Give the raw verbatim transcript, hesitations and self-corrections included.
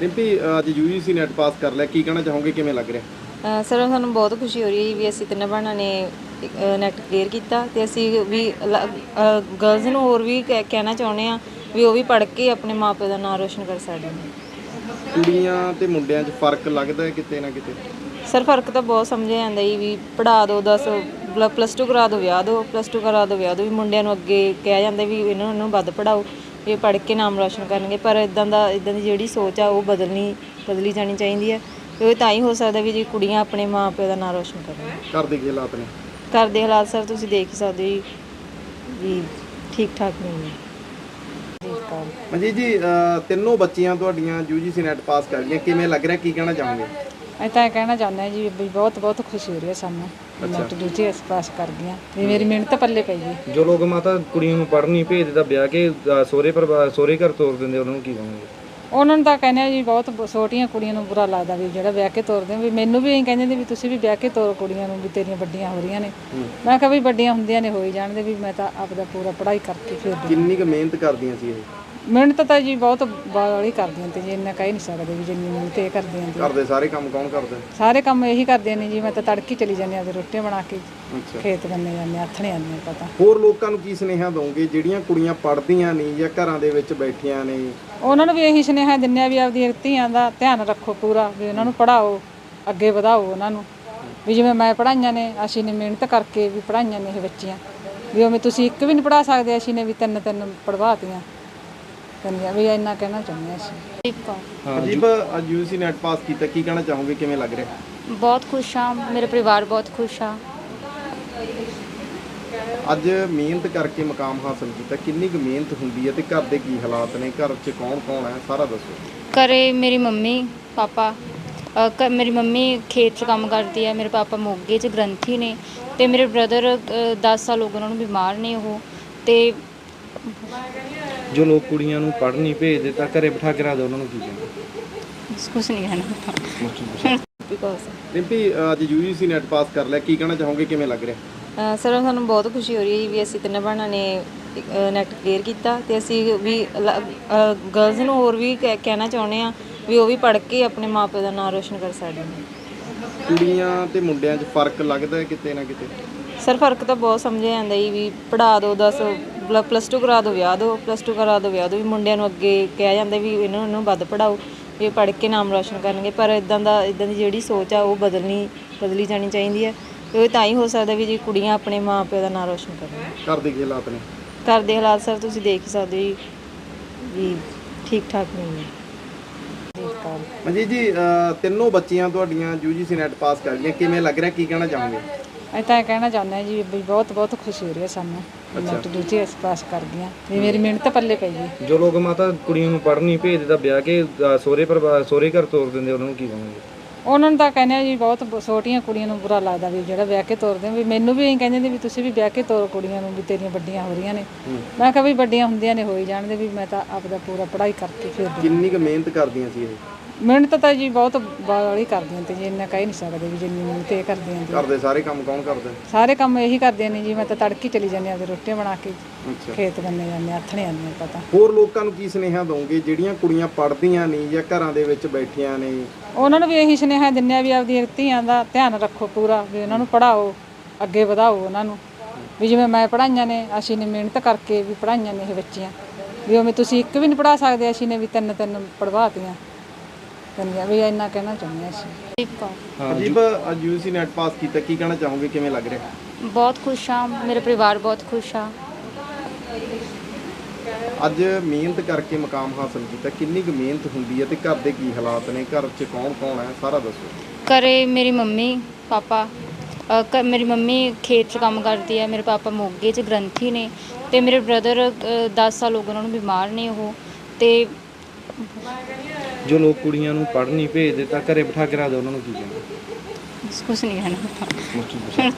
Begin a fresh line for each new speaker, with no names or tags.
ਰਿੰਪੀ ਅੱਜ UGC NET pass ਕਰ ਲਿਆ, ਕੀ ਕਹਿਣਾ ਚਾਹੋਗੇ, ਕਿਵੇਂ ਲੱਗ ਰਿਹਾ?
ਸਰ ਸਾਨੂੰ ਬਹੁਤ ਖੁਸ਼ੀ ਹੋ ਰਹੀ ਹੈ ਵੀ ਅਸੀਂ ਤਿੰਨ ਭੈਣਾਂ ਨੇ ਨੈਟ ਕਲੀਅਰ ਕੀਤਾ ਤੇ ਅਸੀਂ ਵੀ ਗਰਲਜ਼ ਨੂੰ ਹੋਰ ਵੀ ਕਹਿ- ਕਹਿਣਾ ਚਾਹੁੰਦੇ ਹਾਂ ਵੀ ਉਹ ਵੀ ਪੜ੍ਹ ਕੇ ਆਪਣੇ ਮਾਪੇ ਦਾ ਨਾਂ ਰੋਸ਼ਨ ਕਰ ਸਕਦੇ ਨੇ।
ਕੁੜੀਆਂ ਤੇ ਮੁੰਡਿਆਂ 'ਚ ਫਰਕ ਲੱਗਦਾ ਹੈ ਕਿਤੇ ਨਾ ਕਿਤੇ?
ਸਰ ਫਰਕ ਤਾਂ ਬਹੁਤ ਸਮਝਿਆ ਜਾਂਦਾ ਜੀ ਵੀ ਪੜ੍ਹਾ ਦਿਓ ਦਸ ਪਲੱਸ ਟੂ ਕਰਾ ਦਿਓ ਵਿਆਹ ਦਿਓ ਪਲੱਸ ਟੂ ਕਰਾ ਦਿਓ ਵਿਆਹ ਦਿਓ ਵੀ ਮੁੰਡਿਆਂ ਨੂੰ ਅੱਗੇ ਕਿਹਾ ਜਾਂਦਾ ਵੀ ਇਹਨਾਂ ਨੂੰ ਵੱਧ ਪੜ੍ਹਾਓ ਇਹ ਪੜ੍ਹ ਕੇ ਨਾਮ ਰੋਸ਼ਨ ਕਰਨਗੇ, ਪਰ ਇੱਦਾਂ ਦਾ ਇੱਦਾਂ ਦੀ ਜਿਹੜੀ ਸੋਚ ਆ ਉਹ ਬਦਲਣੀ ਬਦਲੀ ਜਾਣੀ ਚਾਹੀਦੀ ਹੈ। ਇਹ ਤਾਂ ਹੀ ਹੋ ਸਕਦਾ ਵੀ ਜੇ ਕੁੜੀਆਂ ਆਪਣੇ ਮਾਂ ਪਿਓ ਦਾ ਨਾਂ ਰੋਸ਼ਨ ਕਰਨ।
ਘਰ ਦੇ ਕੀ ਹਾਲਾਤ ਨੇ?
ਘਰ ਦੇ ਹਾਲਾਤ ਸਰ ਤੁਸੀਂ ਦੇਖ ਹੀ ਸਕਦੇ ਜੀ ਵੀ ਠੀਕ ਠਾਕ ਨਹੀਂ ਨੇ।
ਮਨਜੀਤ ਜੀ, ਅਹ, ਤਿੰਨੋਂ ਬੱਚੀਆਂ ਤੁਹਾਡੀਆਂ ਯੂਜੀਸੀ ਨੈਟ ਪਾਸ ਕਰ ਗਈਆਂ, ਕਿਵੇਂ ਲੱਗ ਰਿਹਾ, ਕੀ ਕਹਿਣਾ ਚਾਹੋਗੇ?
ਅਸੀਂ ਤਾਂ ਇਹ ਕਹਿਣਾ ਚਾਹੁੰਦੇ ਹਾਂ ਜੀ ਵੀ ਬਹੁਤ ਬਹੁਤ ਖੁਸ਼ੀ ਹੋ ਰਹੀ ਹੈ ਸਾਨੂੰ ਨੈਟ ਦੂਜੀ ਇਸ ਪਾਸ ਕਰ ਗਈਆਂ ਵੀ ਮੇਰੀ ਮਿਹਨਤ ਪੱਲੇ ਪਈ ਗਈ।
ਜੋ ਲੋਕ ਮਾਤਾ ਕੁੜੀਆਂ ਨੂੰ ਪੜ੍ਹਨ ਨਹੀਂ ਭੇਜਦੇ ਤਾਂ ਵਿਆਹ ਕੇ ਸਹੁਰੇ ਪਰਿਵਾਰ ਸਹੁਰੇ ਘਰ ਤੋਰ ਦਿੰਦੇ, ਉਹਨਾਂ ਨੂੰ ਕੀ ਕਹੋਗੇ?
ਉਹਨਾਂ ਨੂੰ ਤਾਂ ਕਹਿੰਦੇ ਆ ਜੀ ਬਹੁਤ ਛੋਟੀਆਂ ਕੁੜੀਆਂ ਨੂੰ ਬੁਰਾ ਲੱਗਦਾ ਵੀ ਜਿਹੜਾ ਵਿਆਹ ਕੇ ਤੋਰਦੇ ਵੀ ਮੈਨੂੰ ਵੀ ਇਹੀ ਕਹਿੰਦੇ ਨੇ ਵੀ ਤੁਸੀਂ ਵੀ ਵਿਆਹ ਕੇ ਤੋਰੋ ਕੁੜੀਆਂ ਨੂੰ ਵੀ ਤੇਰੀਆਂ ਵੱਡੀਆਂ ਹੋ ਰਹੀਆਂ ਨੇ। ਮੈਂ ਕਿਹਾ ਵੀ ਵੱਡੀਆਂ ਹੁੰਦੀਆਂ ਨੇ ਹੋਈ ਜਾਣਦੇ ਵੀ ਮੈਂ ਤਾਂ ਆਪਦਾ ਪੂਰਾ ਪੜ੍ਹਾਈ ਕਰਕੇ ਫਿਰ
ਕਿੰਨੀ ਕੁ ਮਿਹਨਤ ਕਰਦੀਆਂ ਸੀ ਇਹ?
ਮਿਹਨਤ ਤਾਂ ਜੀ ਬਹੁਤ ਬਾਲੀ ਕਰਦੀਆਂ ਤੇ ਜੀ ਇੰਨਾ ਕਹਿ ਨਹੀਂ ਸਕਦੇ ਵੀ ਜਿੰਨੀ ਮਿਹਨਤ ਇਹ ਕਰਦੀਆਂ ਜੀ।
ਘਰ ਦੇ ਸਾਰੇ ਕੰਮ ਕੌਣ ਕਰਦਾ?
ਸਾਰੇ ਕੰਮ ਇਹੀ ਕਰਦੀਆਂ ਨੇ ਜੀ। ਮੈਂ ਤਾਂ ਤੜਕੀ ਚਲੀ ਜਾਂਦੀ ਆ ਤੇ ਰੋਟੀਆਂ ਬਣਾ ਕੇ
ਅੱਛਾ,
ਖੇਤ ਬੰਨੇ ਜਾਂਦੇ ਆਥਣੇ ਆਉਂਦੇ ਪਤਾ।
ਹੋਰ ਲੋਕਾਂ ਨੂੰ ਕੀ ਸੁਨੇਹਾ ਦਵੋਗੇ ਜਿਹੜੀਆਂ ਕੁੜੀਆਂ ਪੜ੍ਹਦੀਆਂ ਨਹੀਂ ਜਾਂ ਘਰਾਂ ਦੇ ਵਿੱਚ ਬੈਠੀਆਂ ਨੇ?
ਉਹਨਾਂ ਨੂੰ ਵੀ ਇਹੀ ਸੁਨੇਹਾ ਦਿੰਦੇ ਆ ਵੀ ਆਪਦੀਆਂ ਧੀਆਂ ਦਾ ਧਿਆਨ ਰੱਖੋ ਪੂਰਾ, ਵੀ ਉਹਨਾਂ ਨੂੰ ਪੜ੍ਹਾਓ ਅੱਗੇ ਵਧਾਓ ਉਹਨਾਂ ਨੂੰ, ਵੀ ਜਿਵੇਂ ਮੈਂ ਪੜ੍ਹਾਈਆਂ ਨੇ ਅਸੀਂ ਨੇ ਮਿਹਨਤ ਕਰਕੇ ਵੀ ਪੜ੍ਹਾਈਆਂ ਨੇ ਇਹ ਬੱਚੀਆਂ ਵੀ ਉਵੇਂ ਤੁਸੀਂ ਇੱਕ ਵੀ ਨਹੀਂ ਪੜ੍ਹਾ ਸਕਦੇ, ਅਸੀਂ ਨੇ ਵੀ ਤਿੰਨ ਤਿੰਨ ਪੜ੍ਹਵਾਤੀਆਂ ਕੰਨੀਆਂ ਵੀ ਇੰਨਾ ਕਹਿਣਾ ਚਾਹੁੰਦੇ ਹਾਂ ਅਸੀਂ।
ਅਜੀਬ ਅੱਜ ਯੂਜੀਸੀ ਨੈਟ ਪਾਸ ਕੀਤਾ, ਕੀ ਕਹਿਣਾ ਚਾਹੋਗੇ, ਕਿਵੇਂ ਲੱਗ ਰਿਹਾ?
ਬਹੁਤ ਖੁਸ਼ ਹਾਂ, ਮੇਰੇ ਪਰਿਵਾਰ ਬਹੁਤ ਖੁਸ਼ ਆ।
ਅੱਜ ਮਿਹਨਤ ਕਰਕੇ ਮੁਕਾਮ ਹਾਸਲ ਕੀਤਾ, ਕਿੰਨੀ ਕੁ ਮਿਹਨਤ ਹੁੰਦੀ ਹੈ ਤੇ ਘਰ ਦੇ ਕੀ ਹਾਲਾਤ ਨੇ, ਘਰ 'ਚ ਕੌਣ ਕੌਣ ਹੈ, ਸਾਰਾ ਦੱਸੋ।
ਘਰੇ ਮੇਰੀ ਮੰਮੀ ਪਾਪਾ ਅ, ਕ- ਮੇਰੀ ਮੰਮੀ ਖੇਤ 'ਚ ਕੰਮ ਕਰਦੀ ਹੈ, ਮੇਰੇ ਪਾਪਾ ਮੋਗੇ 'ਚ ਗ੍ਰੰਥੀ ਨੇ ਅਤੇ ਮੇਰੇ ਬ੍ਰਦਰ ਦਸ ਸਾਲ ਹੋ ਗਏ ਉਹਨਾਂ ਨੂੰ ਬਿਮਾਰ ਨੇ ਉਹ। ਅਤੇ
ਜੋ ਲੋਕ ਕੁੜੀਆਂ ਨੂੰ ਪੜ੍ਹਨ ਨਹੀਂ ਭੇਜਦੇ ਤਾਂ ਘਰੇ ਬਿਠਾ ਕੇ ਰੱਖਦੇ, ਉਹਨਾਂ ਨੂੰ ਕੀ ਕਹੋਗੇ?
ਕੁਛ ਨਹੀਂ ਕਹਿਣਾ।
ਰਿੰਪੀ ਅੱਜ ਯੂਜੀਸੀ ਨੈਟ ਪਾਸ ਕਰ ਲਿਆ, ਕੀ ਕਹਿਣਾ ਚਾਹੋਗੇ, ਕਿਵੇਂ ਲੱਗ ਰਿਹਾ?
ਸਰ ਸਾਨੂੰ ਬਹੁਤ ਖੁਸ਼ੀ ਹੋ ਰਹੀ ਹੈ ਵੀ ਅਸੀਂ ਤਿੰਨ ਭੈਣਾਂ ਨੇ ਨੈਟ ਕਲੀਅਰ ਕੀਤਾ ਤੇ ਅਸੀਂ ਵੀ ਗਰਲਜ਼ ਨੂੰ ਹੋਰ ਵੀ ਕਹਿ- ਕਹਿਣਾ ਚਾਹੁੰਦੇ ਹਾਂ ਵੀ ਉਹ ਵੀ ਪੜ੍ਹ ਕੇ ਆਪਣੇ ਮਾਪੇ ਦਾ ਨਾਂ ਰੋਸ਼ਨ ਕਰ ਸਕਦੇ ਨੇ।
ਕੁੜੀਆਂ ਤੇ ਮੁੰਡਿਆਂ 'ਚ ਫਰਕ ਲੱਗਦਾ ਹੈ ਕਿਤੇ ਨਾ ਕਿਤੇ?
ਸਰ ਫਰਕ ਤਾਂ ਬਹੁਤ ਸਮਝਿਆ ਜਾਂਦਾ ਜੀ ਵੀ ਪੜ੍ਹਾ ਦਿਓ ਦਸ ਪਲੱਸ ਟੂ ਕਰਾ ਦਿਓ ਵਿਆਹ ਦਿਓ ਪਲੱਸ ਟੂ ਕਰਾ ਦਿਓ ਵਿਆਹ ਦਿਓ ਵੀ ਮੁੰਡਿਆਂ ਨੂੰ ਅੱਗੇ ਕਿਹਾ ਜਾਂਦਾ ਵੀ ਇਹਨਾਂ ਨੂੰ ਵੱਧ ਪੜ੍ਹਾਓ ਇਹ ਪੜ੍ਹ ਕੇ ਨਾਮ ਰੋਸ਼ਨ ਕਰਨਗੇ, ਪਰ ਇੱਦਾਂ ਦਾ ਇੱਦਾਂ ਦੀ ਜਿਹੜੀ ਸੋਚ ਆ ਉਹ ਬਦਲਣੀ ਬਦਲੀ ਜਾਣੀ ਚਾਹੀਦੀ ਹੈ। ਇਹ ਤਾਂ ਹੀ ਹੋ ਸਕਦਾ ਵੀ ਜੇ ਕੁੜੀਆਂ ਆਪਣੇ ਮਾਂ ਪਿਓ ਦਾ ਨਾਂ ਰੋਸ਼ਨ ਕਰਨ।
ਘਰ ਦੇ ਕੀ ਹਾਲਾਤ ਨੇ?
ਘਰ ਦੇ ਹਾਲਾਤ ਸਰ ਤੁਸੀਂ ਦੇਖ ਹੀ ਸਕਦੇ ਜੀ ਵੀ ਠੀਕ ਠਾਕ ਨਹੀਂ ਨੇ।
ਮਨਜੀਤ ਜੀ, ਅਹ, ਤਿੰਨੋਂ ਬੱਚੀਆਂ ਤੁਹਾਡੀਆਂ ਯੂਜੀਸੀ ਨੈਟ ਪਾਸ ਕਰ ਗਈਆਂ, ਕਿਵੇਂ ਲੱਗ ਰਿਹਾ, ਕੀ ਕਹਿਣਾ ਚਾਹੋਗੇ?
ਅਸੀਂ ਤਾਂ ਇਹ ਕਹਿਣਾ ਚਾਹੁੰਦੇ ਹਾਂ ਜੀ ਵੀ ਬਹੁਤ ਬਹੁਤ ਖੁਸ਼ੀ ਹੋ ਰਹੀ ਹੈ ਸਾਨੂੰ ਨੈਟ ਦੂਜੀ ਇਸ ਪਾਸ ਕਰ ਗਈਆਂ ਵੀ ਮੇਰੀ ਮਿਹਨਤ ਪੱਲੇ ਪਈ ਗਈ।
ਜੋ ਲੋਕ ਮਾਤਾ ਕੁੜੀਆਂ ਨੂੰ ਪੜ੍ਹਨ ਨਹੀਂ ਭੇਜਦੇ ਤਾਂ ਵਿਆਹ ਕੇ ਸਹੁਰੇ ਪਰਿਵਾਰ ਸਹੁਰੇ ਘਰ ਤੋਰ ਦਿੰਦੇ, ਉਹਨਾਂ ਨੂੰ ਕੀ ਕਹੋਗੇ?
ਉਹਨਾਂ ਨੂੰ ਤਾਂ ਕਹਿੰਦੇ ਆ ਜੀ ਬਹੁਤ ਛੋਟੀਆਂ ਕੁੜੀਆਂ ਨੂੰ ਬੁਰਾ ਲੱਗਦਾ ਵੀ ਜਿਹੜਾ ਵਿਆਹ ਕੇ ਤੋਰਦੇ ਵੀ ਮੈਨੂੰ ਵੀ ਇਹੀ ਕਹਿੰਦੇ ਨੇ ਵੀ ਤੁਸੀਂ ਵੀ ਵਿਆਹ ਕੇ ਤੋਰੋ ਕੁੜੀਆਂ ਨੂੰ ਵੀ ਤੇਰੀਆਂ ਵੱਡੀਆਂ ਹੋ ਰਹੀਆਂ ਨੇ। ਮੈਂ ਕਿਹਾ ਵੀ ਵੱਡੀਆਂ ਹੁੰਦੀਆਂ ਨੇ ਹੋਈ ਜਾਣਦੇ ਵੀ ਮੈਂ ਤਾਂ ਆਪਦਾ ਪੂਰਾ ਪੜ੍ਹਾਈ ਕਰਕੇ ਫਿਰ
ਕਿੰਨੀ ਕੁ ਮਿਹਨਤ ਕਰਦੀਆਂ ਸੀ ਇਹ?
ਮਿਹਨਤ ਤਾਂ ਜੀ ਬਹੁਤ ਬਾਲੀ ਕਰਦੀਆਂ ਤੇ ਜੀ ਇੰਨਾ ਕਹਿ ਨਹੀਂ ਸਕਦੇ ਵੀ ਜਿੰਨੀ ਮਿਹਨਤ ਇਹ ਕਰਦੀਆਂ ਜੀ।
ਘਰ ਦੇ ਸਾਰੇ ਕੰਮ ਕੌਣ ਕਰਦਾ?
ਸਾਰੇ ਕੰਮ ਇਹੀ ਕਰਦੀਆਂ ਨੇ ਜੀ। ਮੈਂ ਤਾਂ ਤੜਕੀ ਚਲੀ ਜਾਂਦੀ ਆ ਤੇ ਰੋਟੀਆਂ ਬਣਾ ਕੇ
ਅੱਛਾ,
ਖੇਤ ਬੰਨੇ ਜਾਂਦੇ ਆਥਣੇ ਆਉਂਦੇ ਪਤਾ।
ਹੋਰ ਲੋਕਾਂ ਨੂੰ ਕੀ ਸੁਨੇਹਾ ਦਵੋਗੇ ਜਿਹੜੀਆਂ ਕੁੜੀਆਂ ਪੜ੍ਹਦੀਆਂ ਨਹੀਂ ਜਾਂ ਘਰਾਂ ਦੇ ਵਿੱਚ ਬੈਠੀਆਂ ਨੇ?
ਉਹਨਾਂ ਨੂੰ ਵੀ ਇਹੀ ਸੁਨੇਹਾ ਦਿੰਦੇ ਆ ਵੀ ਆਪਦੀਆਂ ਧੀਆਂ ਦਾ ਧਿਆਨ ਰੱਖੋ ਪੂਰਾ, ਵੀ ਉਹਨਾਂ ਨੂੰ ਪੜ੍ਹਾਓ ਅੱਗੇ ਵਧਾਓ ਉਹਨਾਂ ਨੂੰ, ਵੀ ਜਿਵੇਂ ਮੈਂ ਪੜ੍ਹਾਈਆਂ ਨੇ ਅਸੀਂ ਨੇ ਮਿਹਨਤ ਕਰਕੇ ਵੀ ਪੜ੍ਹਾਈਆਂ ਨੇ ਇਹ ਬੱਚੀਆਂ ਵੀ ਉਵੇਂ ਤੁਸੀਂ ਇੱਕ ਵੀ ਨਹੀਂ ਪੜ੍ਹਾ ਸਕਦੇ, ਅਸੀਂ ਨੇ ਵੀ ਤਿੰਨ ਤਿੰਨ ਪੜ੍ਹਵਾਤੀਆਂ ਕੰਨੀਆਂ ਵੀ ਇੰਨਾ ਕਹਿਣਾ ਚਾਹੁੰਦੇ ਹਾਂ ਅਸੀਂ।
ਅਜੀਬ ਅੱਜ ਯੂਜੀਸੀ ਨੈਟ ਪਾਸ ਕੀਤਾ, ਕੀ ਕਹਿਣਾ ਚਾਹੋਗੇ, ਕਿਵੇਂ ਲੱਗ ਰਿਹਾ?
ਬਹੁਤ ਖੁਸ਼ ਹਾਂ, ਮੇਰੇ ਪਰਿਵਾਰ ਬਹੁਤ ਖੁਸ਼ ਆ।
ਅੱਜ ਮਿਹਨਤ ਕਰਕੇ ਮੁਕਾਮ ਹਾਸਲ ਕੀਤਾ, ਕਿੰਨੀ ਕੁ ਮਿਹਨਤ ਹੁੰਦੀ ਹੈ ਤੇ ਘਰ ਦੇ ਕੀ ਹਾਲਾਤ ਨੇ, ਘਰ 'ਚ ਕੌਣ ਕੌਣ ਹੈ, ਸਾਰਾ ਦੱਸੋ।
ਘਰੇ ਮੇਰੀ ਮੰਮੀ ਪਾਪਾ ਅ, ਕ- ਮੇਰੀ ਮੰਮੀ ਖੇਤ 'ਚ ਕੰਮ ਕਰਦੀ ਹੈ, ਮੇਰੇ ਪਾਪਾ ਮੋਗੇ 'ਚ ਗ੍ਰੰਥੀ ਨੇ ਅਤੇ ਮੇਰੇ ਬ੍ਰਦਰ ਦਸ ਸਾਲ ਹੋ ਗਏ ਉਹਨਾਂ ਨੂੰ ਬਿਮਾਰ ਨੇ ਉਹ। ਅਤੇ
ਜੋ ਲੋਕ ਕੁੜੀਆਂ ਨੂੰ ਪੜ੍ਹਨ ਨਹੀਂ ਭੇਜਦੇ ਤਾਂ ਘਰੇ ਬਿਠਾ ਕੇ ਰੱਖਦੇ, ਉਹਨਾਂ ਨੂੰ ਕੀ ਕਹੋਗੇ?
ਕੁਛ ਨਹੀਂ ਕਹਿਣਾ।